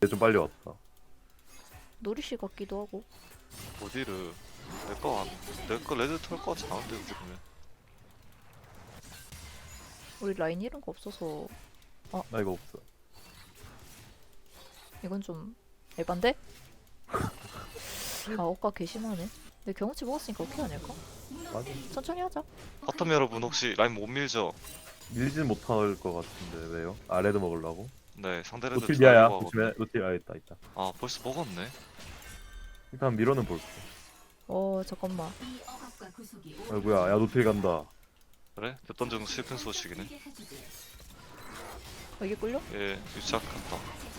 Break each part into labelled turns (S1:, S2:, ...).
S1: 좀 빨리 왔다.
S2: 노리씨 같기도 하고.
S3: 어디를 내거 레드 털거 잘한데 우리 보면.
S2: 우리 라인 이런 거 없어서
S1: 나 이거 없어.
S2: 이건 좀 에반데? 억까 개심하네. 근데 경험치 먹었으니까 오케이 아닐까?
S1: 맞아.
S2: 천천히 하자.
S3: 바텀 여러분 혹시 라인 못 밀죠?
S1: 밀진 못할 것 같은데 왜요? 아 레드 먹으려고?
S3: 네 상대 레드
S1: 노틸 미아야.
S3: 좋아하고
S1: 조심해.
S3: 하거든요.
S1: 노틸 있다 있다.
S3: 아 벌써 먹었네.
S1: 일단 밀어는 볼게.
S2: 잠깐만.
S1: 아이고야, 야 노틸 간다.
S3: 그래? 몇번 중 슬픈 소식이네.
S2: 이게 끌려?
S3: 예 유착 같다.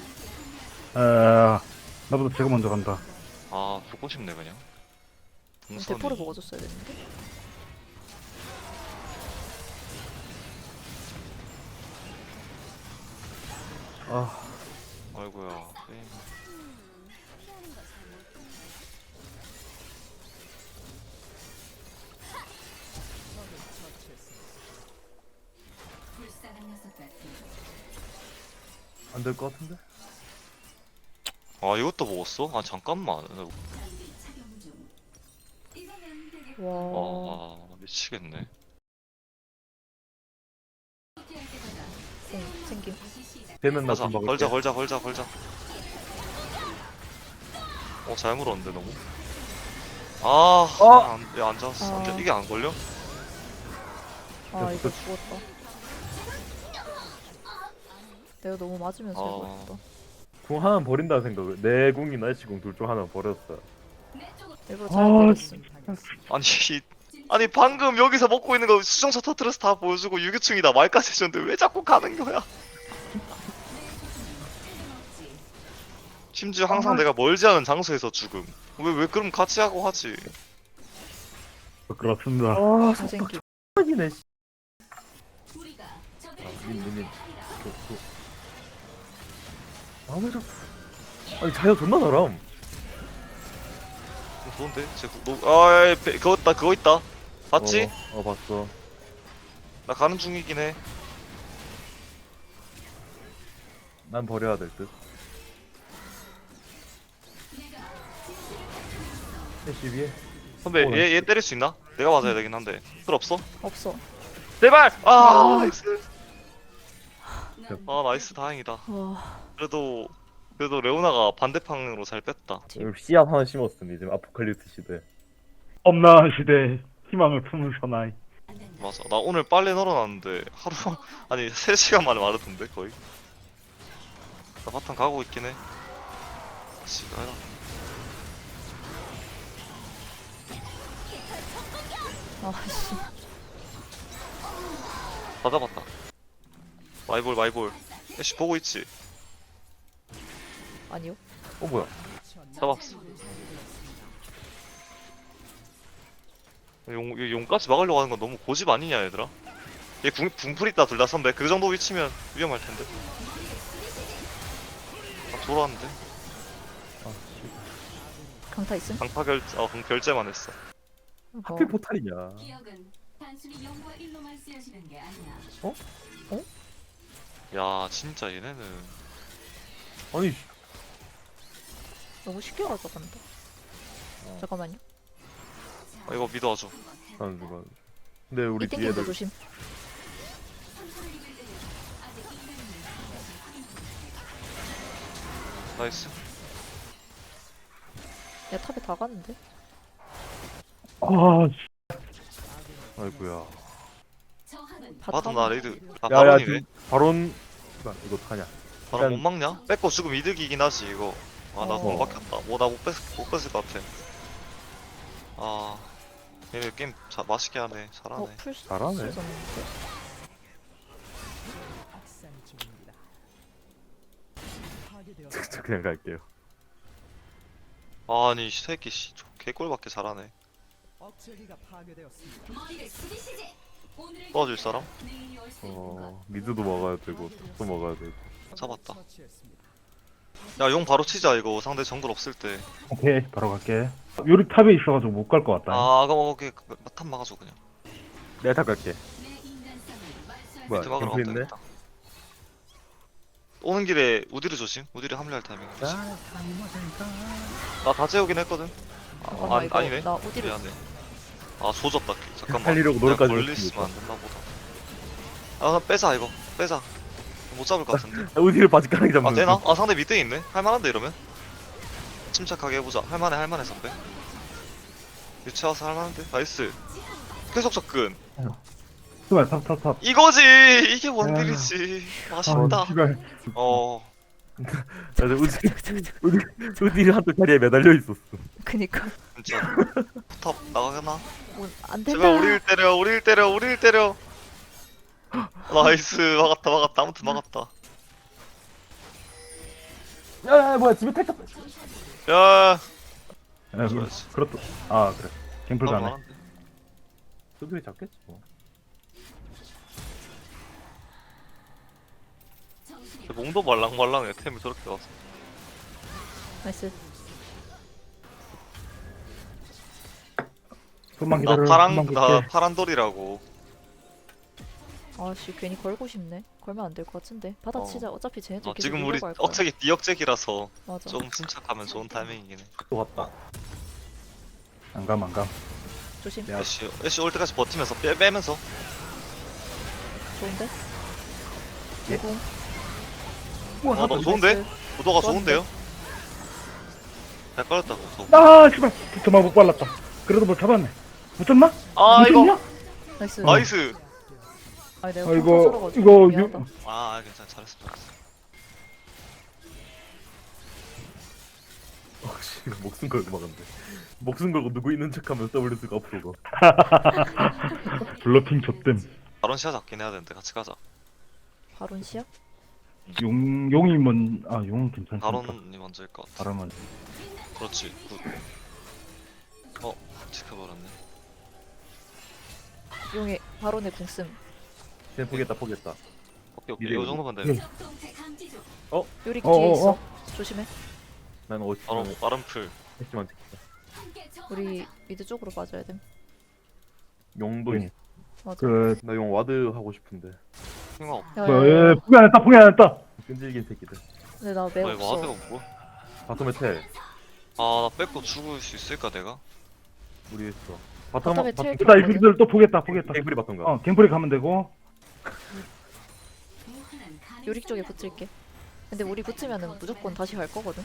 S4: 나보다 제가 먼저 간다.
S3: 아 죽고 싶네 그냥. 동선이.
S2: 대포를 먹어줬어야 되는데.
S1: 아,
S3: 아이고야. 게임.
S1: 안 될 것 같은데?
S3: 아 이것도 먹었어? 아 잠깐만.
S2: 와.
S3: 미치겠네.
S2: 생김.
S1: 되면 나
S3: 가자
S1: 금방
S3: 걸자
S1: 올게.
S3: 걸자. 잘 물었는데 너무. 안 잡았어.
S2: 아.
S3: 이게 안 걸려?
S2: 이거 죽었다. 내가 너무 맞으면서 해버렸다.
S1: 궁 하나 버린다는 생각을. 내 궁이나 애쉬 궁둘 중 하나 버렸어.
S2: 일부러 잘 때렸음.
S3: 아니 방금 여기서 먹고 있는 거 수정차 터트려서 다 보여주고 유기충이다 말까지 해줬는데 왜 자꾸 가는 거야? 심지어 항상 내가 멀지 않은 장소에서 죽음. 왜 그럼 같이 하고 하지?
S4: 그렇습니다.
S1: 아,
S2: 생김.
S1: 속박이네. 민. 왜 자꾸. 아니 자야 존나 잘함.
S3: 좋은데? 그거 있다. 봤지?
S1: 봤어.
S3: 나 가는 중이긴 해.
S1: 난 버려야 될 듯. 애쉬 위에.
S3: 선배 얘 때릴 수 있나? 내가 맞아야 되긴 한데. 필 없어?
S2: 없어.
S3: 제발! 나이스. 나이스 다행이다.
S2: 와.
S3: 그래도 레오나가 반대방으로 잘 뺐다.
S1: 씨앗 하나 심었음. 이제 아포칼립스 시대.
S4: 엄나한 시대 희망을 품은 사나이.
S3: 맞아. 나 오늘 빨래 널어놨는데 하루 아니 3시간 만에 마르던데 거의. 나 바탕 가고 있긴 해. 지가 해라.
S2: 아씨.
S3: 다 잡았다. 마이볼. 애쉬 보고 있지?
S2: 아니요.
S1: 뭐야?
S3: 잡았어. 용까지 막으려고 하는 건 너무 고집 아니냐 얘들아? 얘 궁풀 있다 둘 다 선배. 그 정도 위치면 위험할 텐데. 돌아왔는데.
S2: 강타 있음?
S3: 결제만 했어.
S1: 하필 포탈이냐?
S5: 기억은 단순히 0과 1로만 쓰여지는 게 아니야.
S3: 야 진짜 얘네는
S1: 아니
S2: 너무 쉽게 가져간다. 잠깐만요.
S3: 이거 믿어줘.
S1: 난 누가? 근데 우리
S2: 이
S1: 뒤에
S2: 땡긴다
S1: 애들
S2: 조심.
S3: 나이스.
S2: 야 탑에 다 갔는데?
S1: 아이고야.
S5: 저항은
S3: 봐도 나 레이드. 나
S1: 야야
S3: 바론이네.
S1: 지금 바론. 이거 어떡하냐?
S3: 바론 못
S1: 일단-
S3: 막냐? 뺏고 죽으면 이득이긴 하지 이거. 나 공 박혔다. 나 못 뺏을 것 같아. 얘네 게임 맛있게 하네. 잘하네.
S2: 풀스
S1: 잘하네.
S2: 썼는데.
S1: 저 그냥 갈게요.
S3: 아니 이 새끼 개꼴밖에 잘하네.
S5: 머리를 숙이시지. 오늘을
S3: 도와줄 사람?
S5: 내일이 올수 있는 것.
S1: 미드도 먹어야 되고 톱도 먹어야 되고.
S3: 잡았다. 야 용 바로 치자 이거 상대 정글 없을 때.
S4: 오케이 바로 갈게. 요리 탑에 있어가지고 못 갈 것 같다.
S3: 그럼 오케이 탑 막아줘 그냥.
S1: 내가 탑 갈게.
S5: 내 인간성을 말소할
S1: 뭐야?
S3: 밑에 막으러
S1: 경프
S3: 가면
S1: 있네?
S3: 되겠다. 오는 길에 우디르 조심. 우디르 합류할 타이밍. 나 다 재우긴 했거든.
S2: 잠깐만 이거
S3: 아니네.
S2: 나 어디로
S3: 미안해. 아 조졌다. 잠깐만.
S1: 살리려고 노력까지
S3: 멀리
S1: 못했으니까.
S3: 있으면 안 됐나 보다. 아 나 빼자 이거. 빼자. 못 잡을 것 같은데.
S1: 어디를 바지가랑이 잡는
S3: 아 되나? 아 상대 밑에 있네. 할만한데 이러면? 침착하게 해보자. 할만해 선배. 유채 와서 할만한데? 나이스. 계속 접근.
S4: 씨발, 탑.
S3: 이거지. 이게 원딜이지. 맛있다.
S4: 씨발.
S3: 어.
S1: 맞아, 우디를 한쪽 다리에 매달려 있었어.
S2: 그니까
S3: 진짜. 탑 나가겠나?
S2: 안 된다.
S3: 제발 우리를 때려. 나이스. 막았다. 아무튼 막았다.
S1: 야, 뭐야, 집에 택
S3: 야.
S4: 그렇다. 아, 그래. 갱플 가네.
S3: 막았는데.
S1: 수비에 잡겠지 뭐.
S3: 몸도 말랑말랑해. 템이 저렇게 와서.
S2: 나이스.
S4: 좀만
S3: 나
S4: 기다려.
S3: 파란
S4: 금방
S3: 나
S4: 볼게.
S3: 파란 돌이라고.
S2: 아씨 괜히 걸고 싶네. 걸면 안 될 것 같은데. 받아치자. 어차피 쟤네들 계속
S3: 지금 우리
S2: 밀려고 할 거야.
S3: 억제기 비억제기라서
S2: 맞아.
S3: 좀 침착하면 좋은 타이밍이긴 해.
S1: 또 갔다.
S4: 안 감.
S2: 조심.
S1: 야.
S3: 애쉬 올 때까지 버티면서 빼면서.
S2: 좋은데? 대공.
S3: 너 좋은데? 구도가 좋은데요? 잘 깔았다 구도.
S4: 아, 씨발. 저만 못 발랐다. 그래도 뭐 잡았네. 못 잡나?
S3: 아
S4: 못
S3: 이거
S4: 잡냐?
S2: 나이스.
S3: 나이스.
S2: 아 내가
S4: 아,
S2: 이거
S4: 이거
S2: 미안하다.
S3: 아 괜찮아 잘했어.
S1: 씨, 목숨 걸고 막았는데. 목숨 걸고 누구 있는 척하면 WS가 앞으로 가.
S4: 블러핑 좆댐.
S3: 바론 시야 잡긴 해야 되는데 같이 가자.
S2: 바론 시야?
S4: 용이 용 괜찮다.
S3: 바론이 먼저일 것 같아.
S4: 바람은.
S3: 그렇지. 굿. 지켜버렸네.
S2: 용의 바론의 궁씀.
S1: 그냥 포기했다.
S3: 오케이
S1: 미래
S3: 이 정도면 돼.
S5: 적동체 감지 중.
S2: 요리
S4: 어,
S2: 뒤에
S4: 어,
S2: 있어.
S4: 어.
S2: 조심해.
S1: 나는 어디
S3: 빠른 풀.
S1: 했지만 지키자.
S5: 함께
S2: 우리 미드 쪽으로 빠져야 돼.
S1: 용도
S4: 네.
S2: 맞아.
S4: 그,
S1: 나 용 와드 하고 싶은데.
S3: 생각 없.
S2: 야,
S4: 예, 포기 안 했다.
S1: 끈질긴 새끼들.
S2: 근데 나 매
S3: 이거 와드가
S2: 없어.
S3: 뭐?
S1: 바텀에 텔.
S3: 아나 뺏고 죽을 수 있을까 내가?
S1: 우리 했어.
S2: 바텀에 텔
S4: 나 이분들 또 포기했다.
S1: 갱플이 바텀가.
S4: 갱플이 가면 되고.
S5: 무한한 가능성이
S2: 요리 쪽에 붙을게. 근데 우리 붙으면은 무조건 다시 갈 거거든.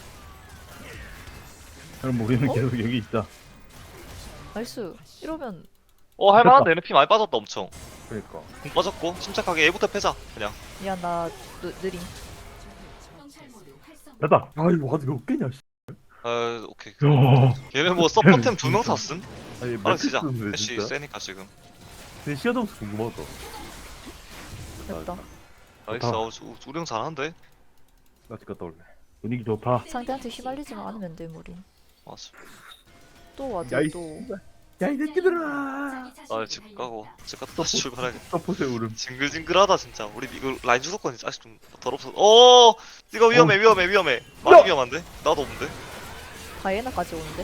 S4: 그럼 우리는
S2: 어?
S4: 계속 여기 있자.
S2: 나이스. 이러면
S3: 할만한데 NP 많이 빠졌다 엄청.
S1: 그러니까.
S3: 공 빠졌고 침착하게 A부터 패자 그냥.
S2: 미안 나 느림.
S5: 정찰 모드 활성.
S4: 됐다.
S1: 아 이거 와드 몇 개냐? 씨.
S3: 오케이.
S4: 야.
S3: 걔네 뭐 서포템 2명 샀음?
S1: 아니
S3: 바로 시작.
S1: 매트리스인데,
S3: 애쉬
S1: 진짜?
S3: 세니까 지금.
S1: 근데 시야점수 궁금하다.
S2: 됐다.
S3: 나이스. 우리 형 잘하는데?
S1: 나 집 갔다 올래.
S4: 분위기 좋다.
S2: 상대한테 휘말리지만 않으면 돼 우린.
S3: 맞아.
S2: 또 와도
S1: 야, 이
S2: 또.
S1: 야이 새끼들아.
S3: 나집 가고 집 갔다 다시 출발하겠다.
S1: 서포트의 울음.
S3: 징글징글하다 진짜. 우리 이거 라인 주도권이 아직 좀 더럽어. 오, 이거 위험해. 많이 위험한데? 나도 없는데.
S2: 다이애나까지 오는데.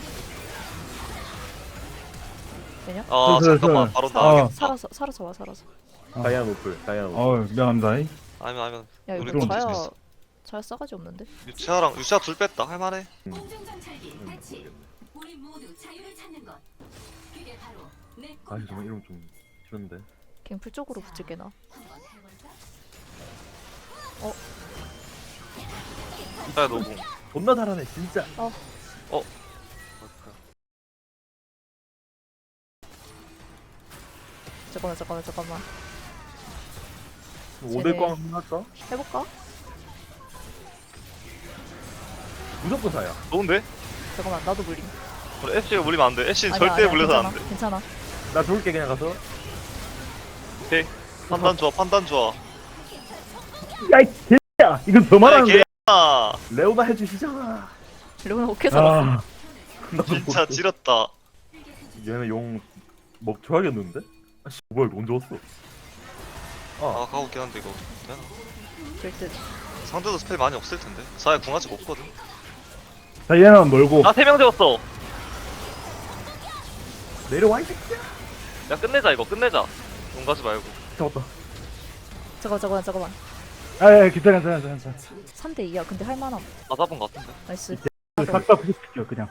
S2: 되냐?
S3: 아
S4: 슬슬.
S3: 잠깐만 바로
S4: 아.
S3: 나가겠다.
S2: 살아서 와 살아서.
S1: 다이아나 노플.
S4: 미안합니다.
S3: 아니면
S2: 야
S3: 우리
S2: 이거
S3: 좀
S2: 자야
S3: 있어.
S2: 자야 싸가지 없는데.
S3: 유채아 둘 뺐다. 할만해.
S5: 공중 정찰기 배치. 우리 모두 자유를 찾는 것. 그게 바로 내
S1: 아
S5: 꿈이다.
S1: 정말 이름 좀 싫은데.
S2: 갱플 쪽으로 붙을게 나.
S5: 한번 해볼까?
S3: 야 너무.
S1: 존나 잘하네 진짜.
S2: 잠깐만.
S1: 5대 꽝 할까?
S2: 해볼까?
S1: 무조건 다야.
S3: 좋은데?
S2: 잠깐만 나도 물림.
S3: 우리 애쉬가 물리면 안 돼. 애쉬는
S2: 아니야,
S3: 절대
S2: 아니야,
S3: 물려서 안 돼.
S2: 괜찮아.
S1: 나 좋을게 그냥 가서.
S3: 오케이. 판단 좋아.
S4: 야, 이 개야. 이건 더 말하는데.
S3: 개야.
S1: 레오나 해주시잖아.
S2: 레오나 오케이 살았어.
S4: 아,
S1: 나도
S3: 진짜
S1: 모르겠어.
S3: 지렸다.
S1: 얘네 용 먹줘야겠는데? 아씨 뭐야 이거 언제 왔어?
S3: 아 가고 있긴 한데 이거 되나?
S2: 될듯.
S3: 상대도 스펠 많이 없을 텐데. 사야 궁 아직 없거든.
S4: 자, 얘는 멀고.
S3: 나 3명 재웠어.
S1: 내려와 이 새끼야.
S3: 야 끝내자 이거 끝내자. 용 가지 말고.
S1: 잡았다.
S2: 잠깐만.
S4: 아, 괜찮아, 괜찮아.
S2: 3대 2야. 근데 할 만함.
S3: 나 잡은 거 같은데.
S2: 나이스.
S4: 싹다 부딪혀, 그냥.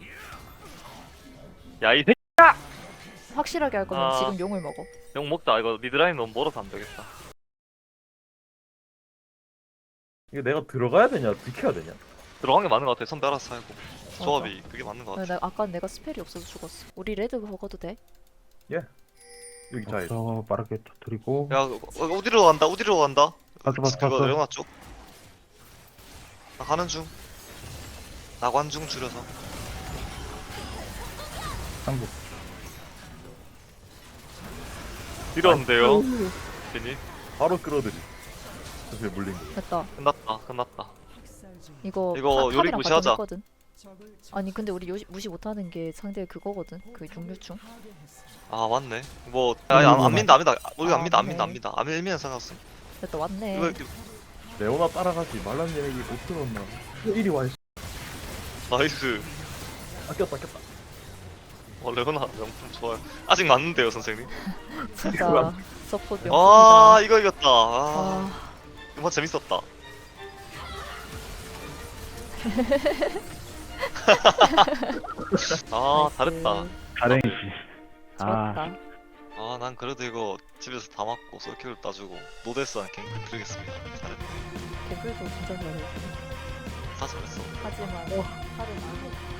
S3: 야 이 새끼
S2: 확실하게 할 거면
S3: 아.
S2: 지금 용을 먹어.
S3: 용 먹자. 이거 미드라인 너무 멀어서 안 되겠다.
S1: 이게 내가 들어가야 되냐 지켜야 되냐?
S3: 들어간 게 맞는 것 같아. 선배 알아서 하고. 조합이 그게 맞는 것 같아.
S2: 아까 내가 스펠이 없어서 죽었어. 우리 레드 먹어도 돼?
S1: 여기 잘.
S4: 저 빠르게 터뜨리고.
S3: 야 어디로 간다. 어디로 간다.
S4: 봤어, 봤어,
S3: 그거
S4: 봤어.
S3: 레오나 쪽. 나 가는 중. 나관중 줄여서.
S4: 상부.
S3: 이러는데요. 괜히
S1: 바로 끌어들이. 사실 물린 거.
S2: 됐다.
S3: 끝났다.
S2: 이거
S3: 이거 요리
S2: 탑이랑
S3: 무시하자.
S2: 바텀 했거든. 아니 근데 우리 무시 못하는 게 상대 그거거든. 그 육류충.
S3: 아 맞네. 뭐 안 민다. 우리가 안 민다.
S2: 맞네.
S3: 안 밀면 상관없어.
S2: 됐다 왔네.
S3: 이거
S1: 레오나 따라가지 말란 얘기 못 들었나? 이리 와.
S3: 나이스.
S1: 아꼈다.
S3: 레오나 명품 좋아요. 아직 맞는데요 선생님.
S2: 진짜 서포트 명품이다.
S3: 아 이거 이겼다.
S2: 아,
S3: 이번 재밌었다. 아 잘했다.
S4: 가랭이씨. 아,
S2: 좋았다.
S3: 아 난 그래도 이거 집에서 다 맞고 솔킬을 따주고 노데스한 갱크 드리겠습니다. 잘했다.
S2: 개불도 진짜 잘해.
S3: 다 잘했어.
S2: 하지만 하루 만에